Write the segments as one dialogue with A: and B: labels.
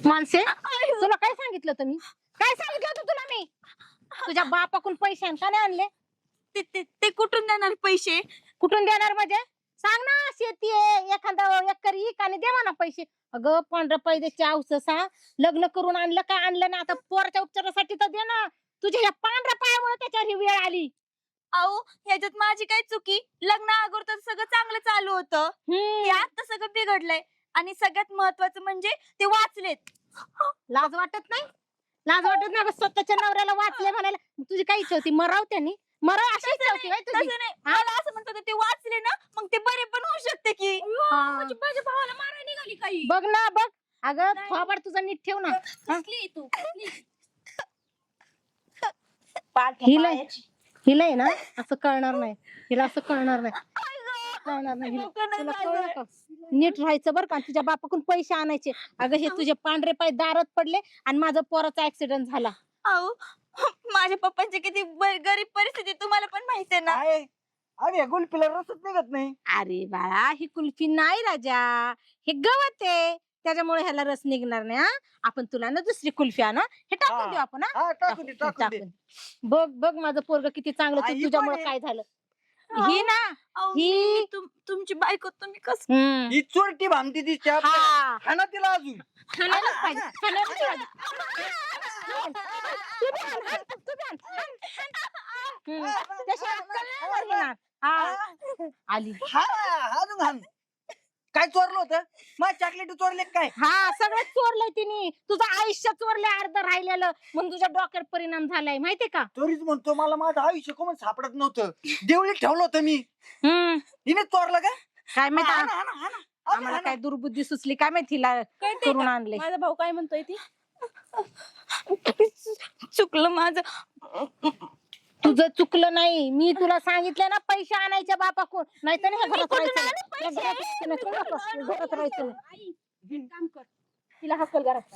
A: माणसे तुला काय सांगितलं होतं मी? काय सांगितलं होतं तुला मी? तुझ्या बापाकडून पैसे का नाही आणले?
B: ते कुठून देणार पैसे?
A: कुठून देणार म्हणजे? सांग ना, शेती आहे एखादा एकर इक आणि दे म्हणा पैसे. अगं 15 पैशाची औसस हा. लग्न करून आणलं काय आणलं ना, आता पोराच्या उपचारासाठी तर दे ना. तुझ्या या पांढऱ्या पायामुळे त्याच्यावर ही वेळ आली.
B: अहो ह्याच्यात माझी काय चुकी? लग्न अगोदर तर सगळं चांगलं चालू होतं. हे आता सगळं बिघडलंय. आणि सगळ्यात महत्वाचं म्हणजे ते वाचलेत.
A: लाज वाटत नाही? लाज वाटत नाही? अगं स्वतःच्या नवऱ्याला वाचले म्हणायला. तुझी काय इच्छा होती? मराव त्यांनी? मराव अशी इच्छा होती व्हय तुझी?
B: तसं नाही, मला असं म्हणत होते ते वाचले ना मग ते बरे पण होऊ शकते की.
A: हा.
B: म्हणजे माझ्या भावाला मारायला निघाली काही.
A: बघ ना बघ. अगं थोबाड तुझा नीट ठेव ना.
B: कसली तू
A: हिला आहे ना असं कळणार नाही. हिला असं कळणार नाही. कळणार नाही हिला. तुला कळलं का? नीट राहायचं बरं का. तुझ्या बापाकडून पैसे आणायचे. अगं हे तुझे पांढरे पाय दारात पडले आणि माझा पोराचा ऍक्सिडेंट झाला.
B: अहो माझ्या पप्पांची किती गरीब परिस्थिती तुम्हाला पण माहिती आहे ना.
C: अरे गुलपीला रसच निघत नाही.
A: अरे बाळा ही कुल्फी नाही राजा, हे गवत आहे. त्याच्यामुळे ह्याला रस निघणार नाही. हा आपण तुला ना दुसरी कुल्फी आणू. हे टाकून देऊ आपण.
C: हा टाकून दे टाकून दे.
A: बघ बघ माझं पोरग किती चांगलं.
C: आई
A: तुझ्यामुळे
C: पण
A: काय झालं? ही ना
B: अहो,
A: ही
B: तुमची बायको तुम्ही कसं.
C: ही चोरटी भामती तिच्या
A: हा
C: खाना तिला अजून.
A: खाण्यालाच पाहिजे, खाण्यालाच पाहिजे. तू बी आण, आण, तू बी आण, आण. त्याशिवाय अक्कल नाही वरविणार. हा आली.
C: हा अजून हाण. काय चोरलं होतं? मग चॉकलेट चोरले काय?
A: हा सगळं चोरलंय तिने. तुझं आयुष्य चोरलंय अर्ध राहिलेलं. म्हणून तुझ्या डोक्यावर परिणाम झालाय माहितीये का?
C: चोरीच म्हणतो मला माझं आयुष्य कोण सापडत नव्हतं. देवळीत ठेवलं होतं मी. हिने चोरलं का?
A: काय माहिती
C: हाणा, हाणा, हाणा. अजून
A: आम्हाला
C: हाणा.
A: काय दुर्बुद्धी सुचली काय माहिती तिला
B: कळतंय
A: करून
B: का?
A: आणले.
B: माझा भाऊ काय म्हणतोय ती चुकलं माझं.
A: तुझं चुकलं नाही. मी तुला सांगितलं ना पैसे आणायच्या बापाकडून. नाही तर नाही घरात राहायचं नाही. या घरात राहायचं नाही. कोण असं घरात राहायचं नाही.
B: काम कर.
A: तिला हकल घरात.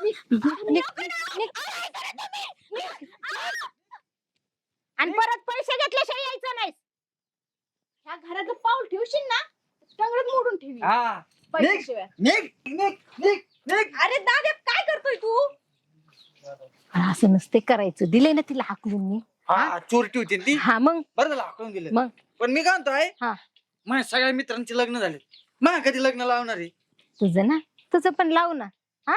A: आणि परत पैसे घेतल्याशिवाय यायचं नाही.
B: ह्या घराचं पाऊल ठेवशील ना सगळं मोडून ठेवी.
C: हा.
B: पैशाशिवाय.
C: निघ निघ निघ निघ.
B: अरे दादा काय करतोय तू?
A: असं नसते करायचं. दिले ना तिला हाकलून मी.
C: हा चोरटी होती ना ती.
A: हा मग
C: बरं झालं हाकलून दिलं.
A: मग
C: पण मी काय म्हणतोय
A: हा.
C: माझ्या सगळ्या मित्रांचे लग्न झाले. मग कधी लग्न लावणार आहे?
A: तुझं ना तुझं पण लावू ना. हा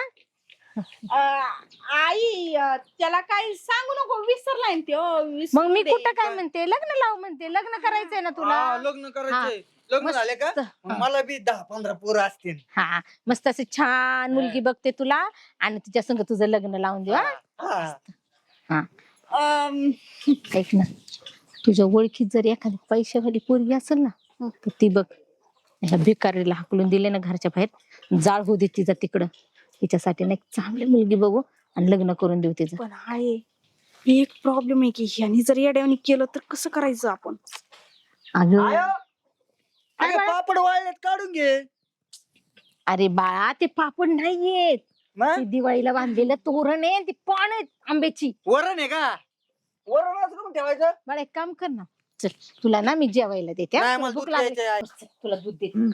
B: आई त्याला काही सांगू नको विसरलाय ते.
A: मग मी कुठं काय म्हणते लग्न लावू म्हणते. लग्न करायचंय ना तुला.
C: हा, लग्न करायचंय. लग्न
A: मस्त.
C: झाले का
A: हा.
C: मला बी 10-15 पोरं असतील.
A: हा मस्त अशी छान मुलगी बघते तुला आणि तिच्या संग तुझं लग्न लावून देऊ.
C: हा.
A: ऐक ना तुझ्या ओळखीत जर एखादी पैशावाली पोरगी असेल ना तर ती बघ. ह्या भिकारीला हाकलून दिले ना घरच्या बाहेर. जाळ होऊ दे तिचा तिकडं. तिच्यासाठी ना एक चांगली मुलगी बघू आणि लग्न करून देऊ तिचं.
D: पण आहे एक प्रॉब्लेम आहे की ह्यानी जर येड्यावानी केलं तर कसं करायचं आपण.
A: अगं
C: आयो. अगं, पापड वाळलेत काढून घे.
A: अरे बाळा ते पापड नाहीयेत.
C: मग?
A: ते दिवाळीला बांधलेलं तोरण आहे. ती पान आहेत आंब्याची.
C: वरण आहे का? वरण असं करून ठेवायचं.
A: बाळा एक काम कर ना. चल तुला ना मी जेवायला देते. हा?
C: नाही,
A: तुला
C: मला
A: भूक
C: दूध
A: लागली.
C: प्यायचंय.
A: तुला दूध देते.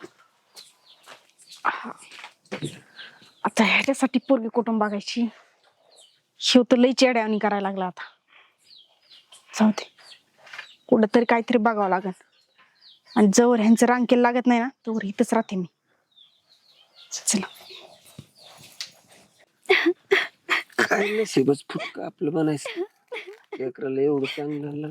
D: आता ह्याच्यासाठी पोरगी कुठून बघायची. शिव तर लई येड्यावानी करायला लागला आता. जाऊ दे कुठंतरी काहीतरी बघावं लागल. आणि जवळ ह्यांचं रांकेल लागत नाही ना तोवर इथंच राहते मी. चला
E: काय नशीबच फुटक आपलं बनायचं. लेकराला एवढं चांगलं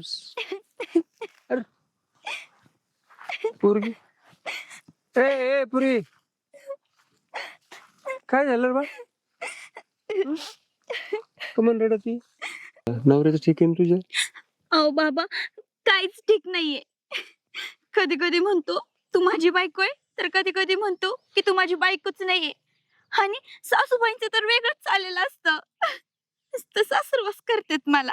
E: पोरगी. ए पुरी काय झालं रे बा? कमन रडती? नवऱ्याचं ठीक आहे ना तुझ्या?
B: अहो बाबा काहीच ठीक नाहीये. कधी कधी म्हणतो तू माझी बायको आहे तर कधी कधी म्हणतो की तू माझी बायकोच नाहीये. आणि सासूबाईंचं तर वेगळंच चाललेलं असतं. नुसतं सासरवास करतात मला.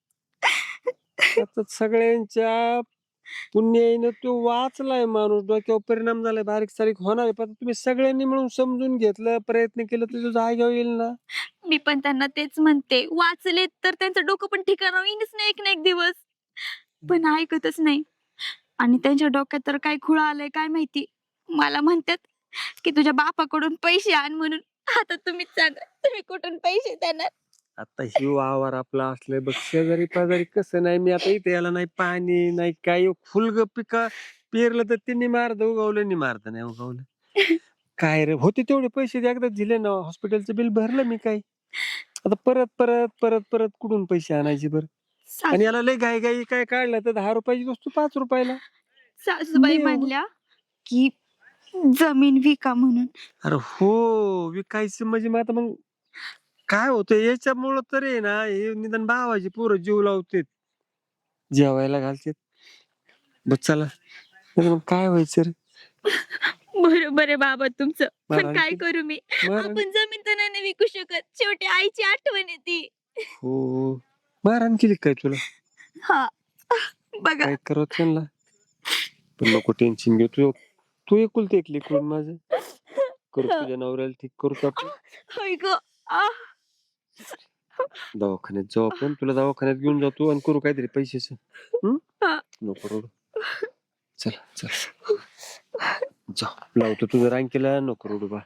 E: आता सगळ्यांच्या पुण्याईनं तो वाचलाय माणूस. डोक्यावर परिणाम झालाय. बारीक सारीक होणार आहे. पण तुम्ही सगळ्यांनी मिळून समजून घेतलं प्रयत्न केलं तर तुझं जाग्यावर येईल ना.
B: मी पण त्यांना तेच म्हणते. वाचले तर त्यांचं डोकं पण ठिकाणं येईनच नाही एक ना एक दिवस. पण ऐकतच नाही. आणि त्यांच्या डोक्यात तर काय खुळा आलाय काय माहिती. मला म्हणतात की तुझ्या बापाकडून पैसे आण म्हणून. आता तुम्हीच सांगा, तुम्ही कुठून पैसे देणार?
E: आता ही वावर आपला असले बघ, शेजारी पाजारी कसं नाही. मी आता इथे याला नाही पाणी नाही काय, फुलग पिका पेरलं तर त्यांनी मारत उगवलं, नाही मारत नाही उगवलं. काय रे, होते तेवढे पैसे एकदा दिले ना, हॉस्पिटलचं बिल भरलं मी. काय आता परत परत परत परत कुठून पैसे आणायचे बरं? आणि याला लय घाई घाई काय काढलं तर 10 रुपयाची वस्तू 5 रुपयाला.
B: सासूबाई
E: नाही हो.
B: म्हणल्या की जमीन विका म्हणून.
E: अरे हो, विकायचं म्हणजे मग आता मग काय होतं याच्यामुळं तर आहे ना, हे निदान भावाची पोरं जीव लावतेत, जेवायला घालतेत. बस चला, नाहीतर मग काय व्हायचं रे?
B: बरोबर आहे बाबा तुमचं, पण
E: मारहाण
B: काय
E: केली.
B: करू मी?
E: मारहाण
B: आपण जमीन तर नाही विकू शकत, शेवटी आईची आठवण येते.
E: हो, मारहाण केली काय तुला?
B: हा बघा,
E: काय करावं त्यांना? पण नको टेन्शन घेऊ, तू एकुलती एक लेकरून माझं. करू तुझ्या नवऱ्याला ठीक करू आपण.
B: होय ग. आ,
E: दवाखान्यात जाऊ आपण, तुला दवाखान्यात घेऊन जातो आणि करू काहीतरी पैशाच.
B: हा.
E: नको रडू. चला चल जाऊ, लावतो तुझं रांकीला. नको रडू बा.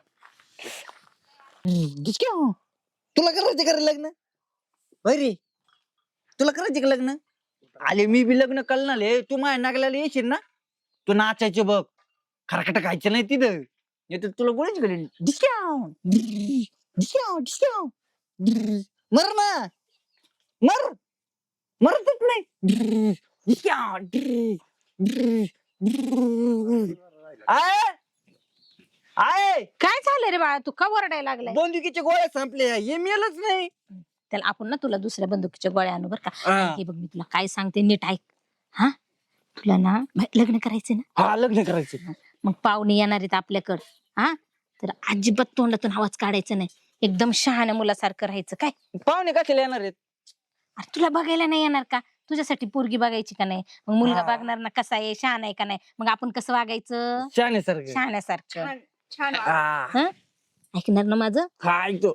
C: तुला करायचं का रे लग्न? होय रे, तुला करायचे का लग्न? आले मी बी लग्न कळणार आहे. तू माझ्या नागल्याला येशील ना, तू नाचायचे बघ, खरकट खायचं नाही तिथं. येतो तुला गोळीच करेल. मर ना, मर, मरतच नाही. आय आय,
A: काय झालं रे बाळा, तू का वरडायला लागलाय?
C: बंदुकीचे गोळ्या संपले, हे मेलच नाही.
A: त्याला आपण ना तुला दुसऱ्या बंदुकीच्या गोळ्या आणू बरं का.
C: हा.
A: हे बघ, मी तुला काय सांगते नीट ऐक. हा, तुला ना लग्न करायचंय ना,
C: हा, लग्न करायचं.
A: मग पाहुणे येणार आहेत आपल्याकडं. हा, तर अजिबात तोंडातून आवाज काढायचा नाही, एकदम शहाण्या मुलासारखं राहायचं. काय
C: पाहुणे कशाला येणार आहेत?
A: अरे तुला बघायला नाही येणार का? तुझ्यासाठी पोरगी बघायची का नाही? मग मुलगा
C: हा.
A: बघणार ना कसा आहे, शहाणा आहे का नाही. मग आपण कसं वागायचं?
C: शहाण्यासारखं.
A: शहाण्यासारखं.
B: छान छान.
C: हा,
A: ऐकणार ना माझं?
C: हा, ऐकतो.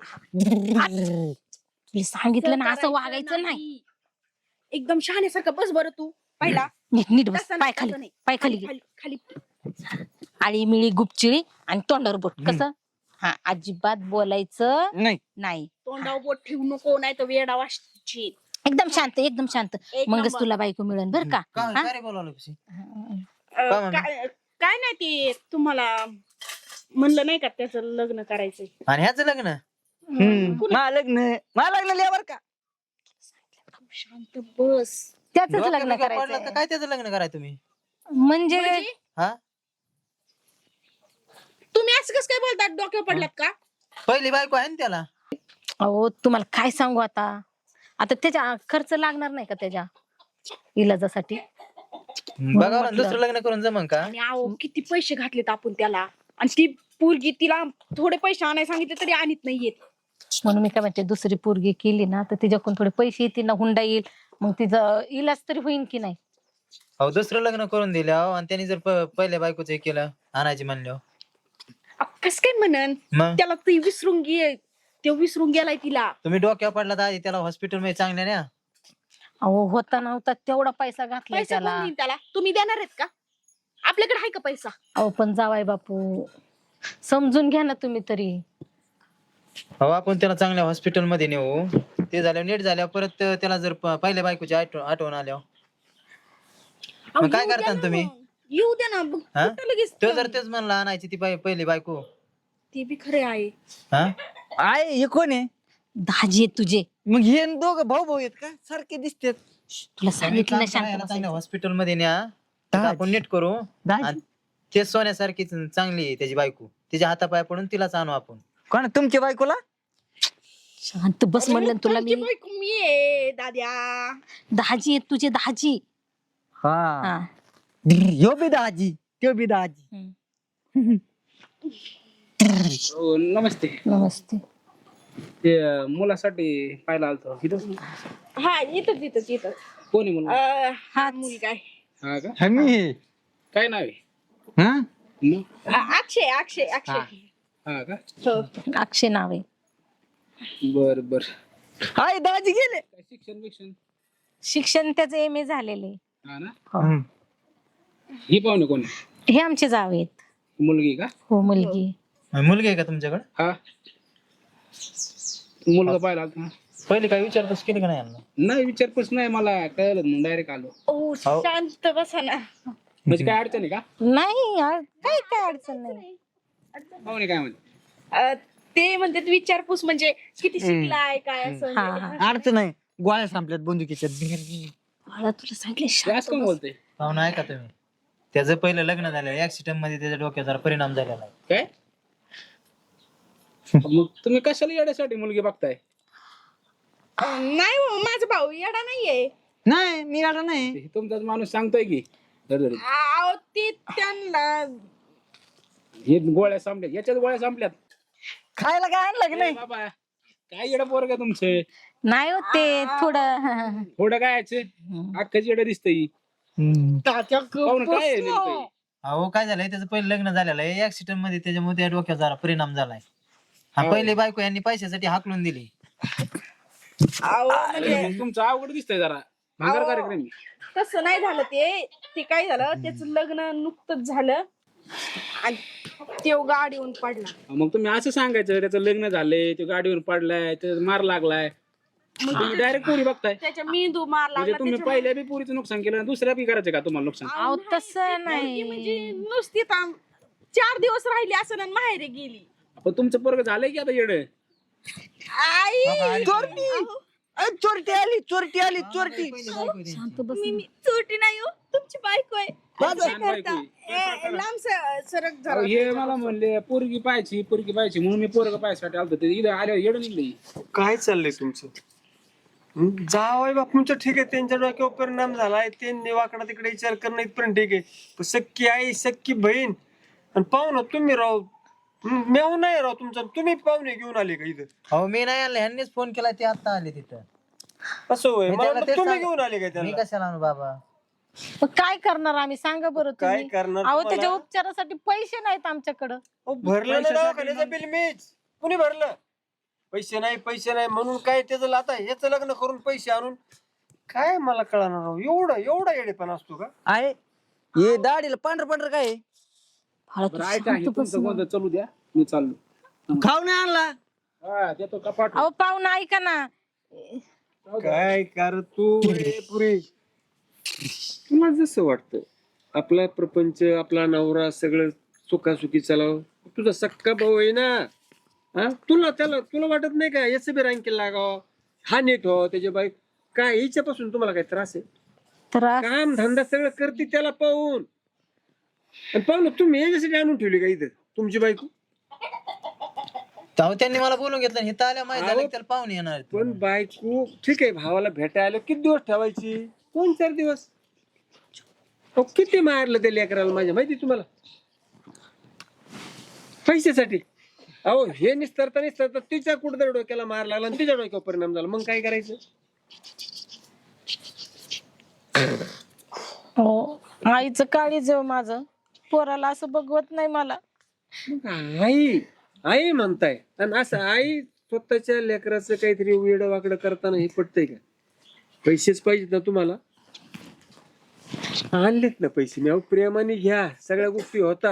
A: तुला सांगितलं ना असं वागायचं नाही.
D: एकदम शहाण्यासारखं बस बरं तू पहिला.
A: नीट नीट बस,
D: तसं नाही,
A: पाय खाली,
D: तसं नाही.
A: पाय खाली घे.
D: खाली खाली.
A: आळी मिळी गुपचिळी आणि तोंडावर बोट. कसं? हा, अजिबात बोलायचं
C: नाही,
A: नाही.
D: तोंडावर बोट ठेवू नको, नाही तर वेडा वाजची.
A: एकदम शांत, एकदम शांत.
D: एक
A: मगच
D: नंबर.
A: तुला बायको मिळेल बर का.
C: काय
A: हा?
C: काय रे बोलावलं कशी?
D: अं,
C: मम्मी?
D: काय काय नाही ते तुम्हाला म्हणलं नाही का त्याचं लग्न करायचंय.
C: आणि ह्याचं लग्न? मा लग्न लिहावर का?
D: शांत बस.
A: त्याच
C: डोक्यात
A: लग्न
C: बिक्यात पडलं तर
A: करायचं
C: काय त्याचं लग्न कराय तुम्ही?
A: म्हणजे
D: म्हणजे
C: हा,
D: तुम्ही असं कसं काय बोलतात, डोक्यावर पडलात का?
C: पहिली बायको आहे ना त्याला.
A: अहो तुम्हाला काय सांगू आता, आता त्याच्या खर्च लागणार नाही का त्याच्या इलाजासाठी?
C: बघा ना,
A: म्हटलं.
C: दुसरं लग्न करून जमन का?
D: आणि अहो किती पैसे घातलेत आपण त्याला, आणि ती पोरगी तिला थोडे पैसे आणायला सांगितले तरी आणत नाहीयेत.
A: म्हणून मी काय म्हणते, दुसरी पोरगी केली ना तर तिच्याकडून थोडे पैसे येतील ना, हुंडा येईल, मग तिचा इलाज तरी होईल की नाही.
C: अहो दुसरं लग्न करून दिलं आणि त्यांनी जर पहिल्या बायकोच हे केलं, आणायची म्हणल्यावर
D: कस काय म्हणन,
C: मग
D: त्याला ती विसरून विसरून गेलाय तिला.
C: तुम्ही डोक्यावर पडला तर आधी त्याला हॉस्पिटल मध्ये चांगल्या न्या.
A: अहो होता नव्हता तेवढा पैसा घातलाय
D: पैसा कोण
A: त्याला.
D: देईन त्याला? तुम्ही देणार आहेत का? आपल्याकडे आहे का पैसा?
A: अहो पण जावाय बापू, समजून घ्या ना तुम्ही तरी.
C: हो, आपण त्याला चांगल्या हॉस्पिटल मध्ये नेऊ. ते झाल्यावर नीट झाल्यावर परत त्याला जर पहिल्या बायकोची आठवण आल्यावर
D: अहो,
C: मग काय
D: येऊ द्या
C: करता
D: ना
C: तुम्ही?
D: मग. येऊ द्या ना मग.
C: हा?
D: कुठं लगेच
C: तो जर तेच म्हणला आणायची ती पहिली बायको.
D: ते बी खरे आहे.
C: हा, आहे हे कोण आहे?
A: दाजी आहेत तुझे.
C: मग हे दोघं भाऊ भाऊ आहेत का? सारखे दिसतात.
A: तुला सांगितलं ना शांत
C: चांगल्या
A: बसायचं.
C: हॉस्पिटल मध्ये न्या. तिथं आपण नीट करू. आणि ते सोन्यासारखी चांगली आहे त्याची बायको. तिच्या हातापाय पडून तिलाच आणू आपण. कोण तुमच्या बायकोला?
A: शांत बस म्हणलं ना तुला मी.
D: तुमची बायको मी आहे दाद्या.
A: दाजी आहेत तुझे, दाजी.
C: हा,
A: हा.
C: ह्यो बी दाजी, त्यो बी दाजी.
A: हम्म.
F: हो, नमस्ते.
A: नमस्ते.
F: ते मुलासाठी पाहायला आलतो इथं.
D: हा, येतच
F: कोणी मुलगा?
D: हा मुलगा आहे.
F: हा का?
C: हमी.
F: काय नाव आहे?
C: हा,
F: मग
D: अक्षय.
F: हा का?
D: हो.
A: अक्षय नाव आहे.
F: बर बर.
C: हाय दाजी गेले.
F: काय शिक्षण बिक्षण?
A: शिक्षण त्याचं MA झालेले.
F: हा ना.
A: हो.
F: ही पाहुणे कोण आहे?
A: हे आमचे जावे आहेत.
F: मुलगी का?
A: हो, मुलगी.
C: मुलगी आहे का तुमच्याकडे?
F: हा. मुलगा पाहिला होता.
C: पहिले काय विचारतोस केली का नाही यांना?
F: नाही विचारपूस नाही, मला कळलं म्हणून डायरेक्ट आलो.
D: ओ शांत बसा ना.
F: म्हणजे काय अडचण आहे का?
A: नाही काय अडचण नाही.
F: पाहुणे काय म्हणते?
D: ते म्हणतात विचारपूस म्हणजे किती शिकलाय काय असं.
A: हा हा
C: अडचण नाही, गोळ्या संपल्यात बंदुकीच्या.
A: मला तुला सांगितलं
F: ते
A: शांत
F: असं कोण
A: बस.
F: बोलते?
C: पाहुणा ऐका तुम्ही, त्याचं पहिलं लग्न झालं, ऍक्सिडेंट मध्ये त्याच्या डोक्यावर जरा परिणाम झालेला आहे.
F: काय मग तुम्ही कशाला येण्यासाठी मुलगी बघताय?
D: नाही हो, माझा भाऊ येडा नाहीये.
C: नाही मी आला नाही.
F: हे तुमचाच माणूस सांगतोय की धडधडीत.
D: अहो ते त्यांना
F: हे गोळ्या संपल्यात, याच्यात गोळ्या संपल्यात.
C: खायला काय आणलं की
F: ए
C: नाही?
F: बाबा काय येडं पोरग तुमचे?
A: नाही होत ते थोडं.
F: थोडं काय अख्खच येडं दिसतंय. पाहुणं काय आहे नेमकं?
C: अहो काय झालंय, त्याचं पहिलं लग्न झालेलं आहे ऍक्सिडेंट मध्ये, त्याच्यामुळे त्या डोक्यावर जरा परिणाम झालाय. हा पहिली बायको यांनी पैशासाठी हाकलून दिली.
D: अहो म्हणजे
F: अरे, तुमचं अवघड दिसतंय जरा. भंगार कार्यक्रम आहे.
D: तसं नाही झालं. ते काय झालं, त्याचं लग्न नुकतंच झालं आणि तो गाडीहून पडला.
F: मग तुम्ही असं सांगायचं त्याचं लग्न झालंय, तो गाडीवर पडलाय, त्याचा मार लागलाय. तुम्ही डायरेक्ट पोरी बघताय.
D: त्याच्या मेंदू मार
F: म्हणजे
D: लागला.
F: तुम्ही पहिल्या बी पोरीचं नुकसान केलं आणि दुसऱ्या बी करायचं का तुम्हाला नुकसान?
A: अहो तसं
D: ती
A: नाही.
D: म्हणजे नुसती 4 दिवस राहिली असं आणि माहेरी गेली.
F: पण तुमचं पोरग झालंय की आता येडं?
D: आई
C: चोरटी आली, चोरटी आली, चोरटी.
A: शांत बस.
B: मी चोरटी नाही हो, तुमची बायको आहे.
F: छान बायको आहे.
D: लांब सरक
F: अहो,
D: जरा.
F: हे मला म्हणले पोरगी पाहायची म्हणून मी पोरग पाहायसाठी आलतो. ते इथं आल्यावर येडं निघलं.
E: काय चाललंय तुमचं? जावई बापूंचं ठीक आहे, त्यांच्या डोक्यावर परिणाम झालाय, त्यांनी वाकडा तिकडे विचार करणं इथपर्यंत ठीक आहे. पण सख्खी आई, सख्खी बहीण आणि पाहुणं तुम्ही राव, मेव नाही राव तुमचा, तुम्ही पाहुणे घेऊन आले का इथं?
C: हो मी नाही आणलं, ह्यांनीच फोन केला, ते आता आले तिथं.
E: असं होय?
C: मी
E: मला
C: त्याला
E: वाटलं
C: तेच
E: तुम्ही
C: सांग-
E: घेऊन आले का
C: मी
E: त्याला?
C: कशाला आणू बाबा?
A: मग काय करणार आम्ही सांगा बरं
E: काय
A: तुम्ही.
E: करणार
A: अहो
E: तुम्हाला?
A: त्याच्या उपचारासाठी पैसे नाहीत आमच्याकडं.
E: अहो, भरलं ना दवाखान्याचं बिल मीच. कुणी भरलं? पैसे नाही म्हणून काय त्याचं आता ह्याचं लग्न करून पैसे आणून काय मला कळणार राव. एवढा येडेपणा असतो का?
C: आहे हे दाढीला पांढर काय आहे?
A: मला
F: बरं
A: तू
F: ऐका, हे
A: शांत बस
F: तुमचं
A: ना.
F: गोंधळ चालू द्या, मी चाललो.
C: खाऊ नाही आणला.
F: हा देतो कपाट.
A: अहो पाहुणा ऐका ना.
E: काय कर तू रे पुरी, तुला जसं वाटतं आपला प्रपंच, आपला नवरा सगळं सुखासुखी चालावं. तुझा सक्का भाऊ आहे ना, हा तुला वाटत नाही का याच बी रँकेल लागावं, हा नीट हो त्याच्या बाई काय हिच्यापासून तुम्हाला काय त्रास आहे?
A: त्रास
E: काम धंदा सगळं करते त्याला पाहून, आणि पाहून तुम्ही याच्यासाठी आणून ठेवली का इथं तुमची बायको?
C: तेव्हा त्यांनी मला बोलून घेतलं, हे तर आल्या माहिती झालं की त्याला पाहुणे येणार आहेत.
E: पण बायको ठीक आहे, भावाला भेटायला आलो किती दिवस ठेवायची? 2-4 दिवस. अहो, किती मारलं त्या लेकराला माझ्या माहिती तुम्हाला पैशासाठी. अहो हे निस्तरता तिच्या कुठं डोक्याला मार लागला आणि तिच्या डोक्यावर परिणाम झाला, मग काय करायचं?
A: हो आईचं काळीज आहे माझं, पोराला असं बघवत नाही मला.
E: मग आई म्हणताय, आणि असं आई स्वतःच्या लेकराचं काहीतरी वेड वाकडं करताना हे पटतंय का? पैसेच पाहिजेत ना तुम्हाला, आणलेत ना पैसे, मी प्रेमाने घ्या, सगळ्या गोष्टी होतात.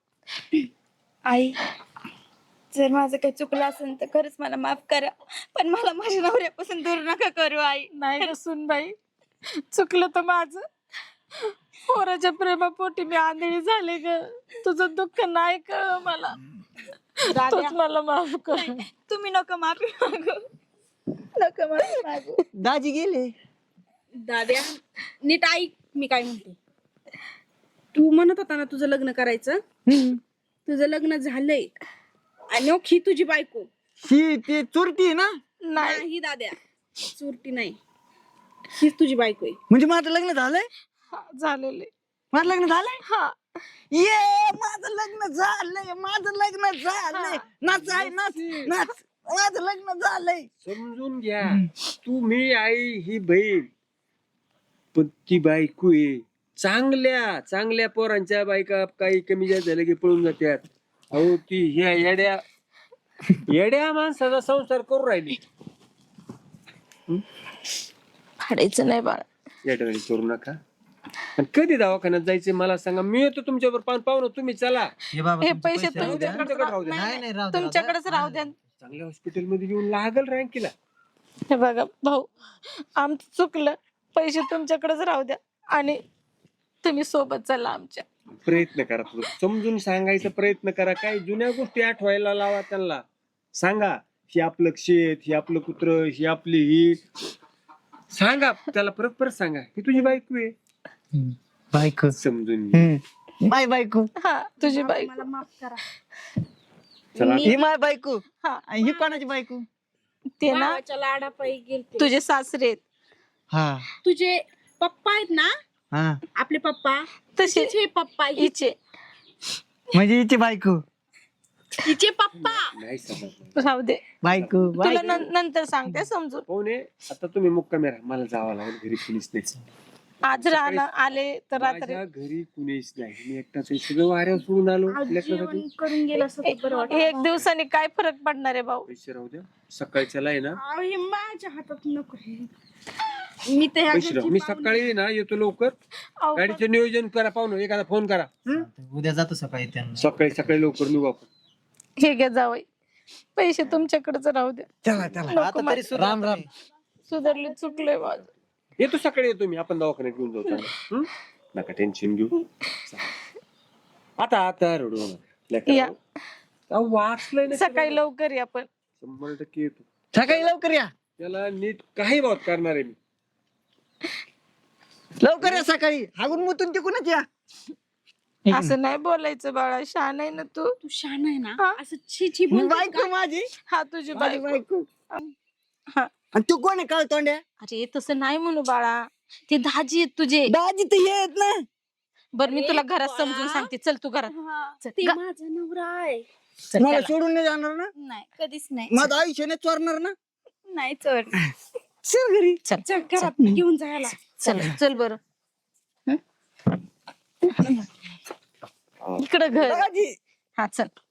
B: आई जर माझं काही चुकलं असेल तर खरंच मला माफ करा, पण मला माझ्या नवऱ्यापासून दूर नका करू आई.
A: नाही ग सुनबाई, चुकलं तर माझं. पोराच्या प्रेमापोटी मी आंधळी झाले ग. तुझं दुःख नाही कळ मला. तूच मला माफ कर.
B: तुम्ही नको माफी मागू, नको माफी मागू.
C: दाजी गेले.
D: दाद्या नीट ऐक मी काय म्हणते. तू म्हणत होता ना तुझं लग्न करायचं, तुझं लग्न झालंय आणि ही तुझी बायको.
C: ही ते चोरटी आहे ना?
D: नाही दाद्या, चोरटी नाही, हीच तुझी बायको आहे.
C: म्हणजे माझं लग्न झालंय?
A: झालेले.
C: माझं लग्न झालंय?
A: हा
C: ये माझं लग्न झालंय, माझं लग्न झालंय. नाच आहे, नाच नाच, माझं लग्न झालंय.
E: समजून घ्या, तू मी आई ही बहीण, पण ती बायको आहे. चांगल्या पोरांच्या बायका काही कमी जास्त झालं की पळून जात्यात. अहो ती ह्या येड्या माणसाचा संसार करू राहिली.
A: फाडायचं नाही बाळा.
E: या ठिकाणी करू नका. आणि कधी दवाखान्यात जायचे मला सांगा, मी येतो तुमच्यावर. पाहुणं तुम्ही चला.
C: हे बाबा
A: हे
C: तुमचे
A: पैसे
C: राहू द्या.
E: तुमच्याकडे राहू द्या.
C: नाही नाही राहू द्या,
A: तुमच्याकडेच राहू द्या.
E: चांगल्या हॉस्पिटल मध्ये घेऊन लागल रँकीला.
D: हे बघा भाऊ, आमचं चुकलं, पैसे तुमच्याकडेच राहू द्या आणि तुम्ही सोबत चला आमच्या.
E: प्रयत्न करा, थोडं समजून सांगायचा प्रयत्न करा. काही जुन्या गोष्टी आठवायला लावा त्यांना. सांगा ही आपलं शेत, ही आपलं कुत्र, ही आपली ही. सांगा त्याला, परत परत सांगा ही तुझी बायको आहे.
C: बायको
E: समजून घे.
C: माय बायको,
D: हा तुझी बाई.
B: मला माफ करा.
E: चला
C: ही माय बायको.
D: हा.
C: आणि ही कोणाची बायको?
D: ते ना
B: भावाच्या लाडापायी गेलते.
D: तुझे सासरे आहेत.
C: हा
B: तुझे पप्पा आहेत ना,
C: हा
B: आपले पप्पा,
D: तसे
B: तसेच हे पप्पा,
D: हिचे
C: म्हणजे हिची बायको.
B: हिचे पप्पा.
E: नाही समजलं.
D: राहू दे,
C: बायको
D: तुला
C: बायको.
D: नंतर सांगते समजून.
E: पाहुणे आता तुम्ही मुक्कामी राहा, मला जावं लागेल घरी, कुणीच नाही.
D: आज राहणं आले तर रात्री
E: माझ्या घरी कुणीच नाही, मी एकटाच आहे. सगळं वाऱ्यावर सोडून आलो.
B: आज
E: लेकरासाठी
B: जेवण करून गेलं असं तर बरं वाटलं.
D: एक दिवसाने काय फरक पडणार आहे भाऊ?
E: पैसे राहू द्या, सकाळच्याला आहे ना
B: अहो, हे माझ्या हातात नको हे. मी तर ह्या
E: पैसे राहू.
B: घरची
E: मी
B: पाहुणी.
E: सकाळी ना येतो लवकर.
D: अहो,
E: गाडीचं नियोजन करा, पाहुणे एखादा फोन करा.
C: उद्या जातो सकाळी त्यांना.
E: सकाळी सकाळी लवकर निघू आपण.
D: हे घ्या जावई, पैसे तुमच्याकडेच राहू द्या.
C: चला चला
D: नको
C: आता
D: मला.
C: तरी राम राम.
D: सुधारले, चुकलंय माझं.
E: येतो सकाळी, येतो मी, आपण दवाखान्यात घेऊन जाऊ चांगलं. हं? नका टेन्शन घेऊ. आता आता रडू नका. लेकरं,
D: या.
E: अहो, वाचलंय ना
D: सकाळी
E: सगळं.
D: लवकर या पण.
E: 100% येतो.
C: सकाळी लवकर या.
E: त्याला नीट काही बात करणार आहे मी.
C: लवकर या सकाळी. हागून मुतून तिकूनच या.
D: असं नाही बोलायचं बाळा, शहाणा आहे ना तू.
B: तू शान आहे ना,
D: हा.
B: असं छी छी
C: ही
B: बोलतेस
C: बायको
B: का?
C: माझी.
D: हा तुझी
C: माझी
D: बाई.
C: बायको.
D: हा.
C: आणि तू कोण आहे काळ तोंड्या?
A: अरे तसं नाही म्हणू बाळा, ते दाजी आहेत तुझे.
C: दाजी तर हे आहेत ना.
A: बरं मी
B: अरे
A: तुला घरात
B: बाळा.
A: समजून सांगते, चल तू घरात
B: हा,
A: चल,
B: ते
A: गा-
B: माझा नवरा आहे.
A: चल,
C: मला
A: त्याला.
C: सोडून नाही जाणार ना.
B: नाही, कधीच नाही.
C: माझं आयुष्य नाही चोरणार ना.
B: नाही चढ.
C: चल घरी.
A: चल
B: चल घरात घेऊन जायला.
A: चल चल बरं. इकडं घर.
C: दाजी.
A: हा चल.